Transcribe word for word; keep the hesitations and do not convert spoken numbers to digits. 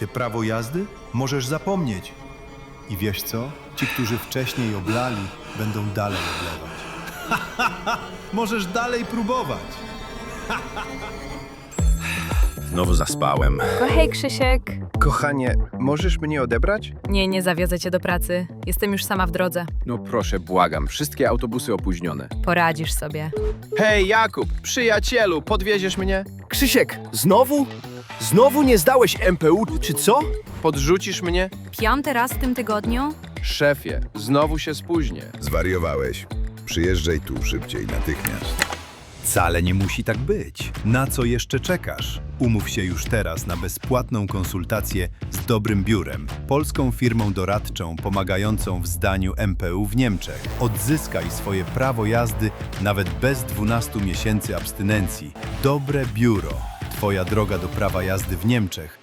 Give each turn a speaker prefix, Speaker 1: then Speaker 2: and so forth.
Speaker 1: Ty prawo jazdy możesz zapomnieć. I wiesz co? Ci, którzy wcześniej oblali, będą dalej oblewać. Możesz dalej próbować.
Speaker 2: Znowu zaspałem.
Speaker 3: Hej, Krzysiek.
Speaker 2: Kochanie, możesz mnie odebrać?
Speaker 3: Nie, nie zawiozę cię do pracy. Jestem już sama w drodze.
Speaker 2: No proszę, błagam. Wszystkie autobusy opóźnione.
Speaker 3: Poradzisz sobie.
Speaker 2: Hej, Jakub, przyjacielu, podwieziesz mnie?
Speaker 4: Krzysiek, znowu? Znowu nie zdałeś M P U, czy co?
Speaker 2: Podrzucisz mnie?
Speaker 3: Piąty raz w tym tygodniu?
Speaker 2: Szefie, znowu się spóźnię.
Speaker 5: Zwariowałeś. Przyjeżdżaj tu szybciej, natychmiast.
Speaker 1: Wcale nie musi tak być. Na co jeszcze czekasz? Umów się już teraz na bezpłatną konsultację z Dobrym Biurem, polską firmą doradczą pomagającą w zdaniu M P U w Niemczech. Odzyskaj swoje prawo jazdy nawet bez dwunastu miesięcy abstynencji. Dobre Biuro. Twoja droga do prawa jazdy w Niemczech